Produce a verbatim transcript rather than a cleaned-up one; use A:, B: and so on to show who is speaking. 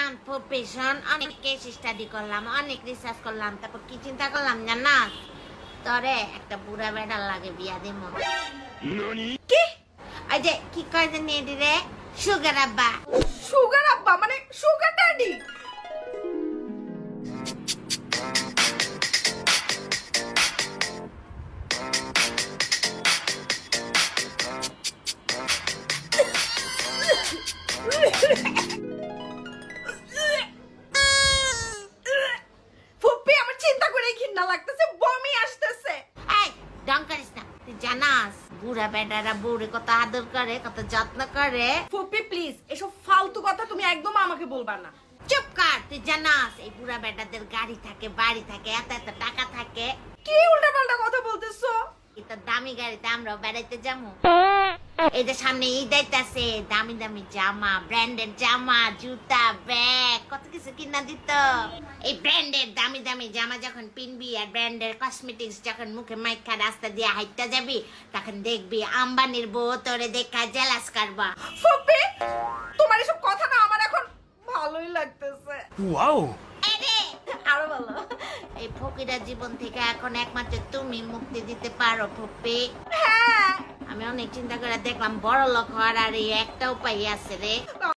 A: শোন ফুপি শোন, অনেক কেস স্টাডি করলাম, অনেক রিসার্চ করলাম, তারপর কি চিন্তা করলাম জানাস? তরে একটা বুড়া বেড়ার লাগে বিয়া দিমু।
B: কি
A: ওই যে কি কয় জানি এডি রে, সুগার আব্বা।
B: সুগার আব্বা মানে সুগার ড্যাডি? ফুপি আমার চিন্তা করে ঘৃণা লাগতেছে, বমি আসতেছে।
A: এই ডং করিস না, তুই জানাস বুড়া বেড়ারা বুড়ি কত আদর করে, কত যত্ন করে।
B: ফুপি প্লিজ এসব ফালতু কথা তুমি একদম আমাকে বলবা না।
A: চুপ কর, তুই জানাস এই বুড়া বেটাদের গাড়ি থাকে, বাড়ি থাকে, এত এত টাকা থাকে।
B: কি উল্টাপাল্টা কথা বলতেছো?
A: এটা দামি গাড়িতে আমরাও বেড়াইতে যাবো। এই যে সামনে ঈদ আইতাছে, দামি দামি জামা, ব্র্যান্ডেড জামা, জুতা, ব্যাগ, কত কিছু কিনা দিত। এই ব্র্যান্ডেড দামি দামি জামা যখন পিনবি আর ব্র্যান্ডেড কসমেটিক্স যখন মুখে মাইখা রাস্তা দিয়ে হাইটটা যাবি, তখন দেখবি আম্বানির বউ তোরে দেখা জেলাস করবা।
B: ফুপি তোমার এসব কথা না আমার এখন ভালোই লাগতেছে।
C: ওয়াও,
A: আরে
B: আরো ভালো।
A: এই ফকিরা জীবন থেকে এখন একমাত্র তুমি মুক্তি দিতে পারো ফুপি।
B: হ্যাঁ
A: আমি অনেক চিন্তা করে দেখলাম বড় লোক হওয়ার আর এই একটা উপায় আছে রে।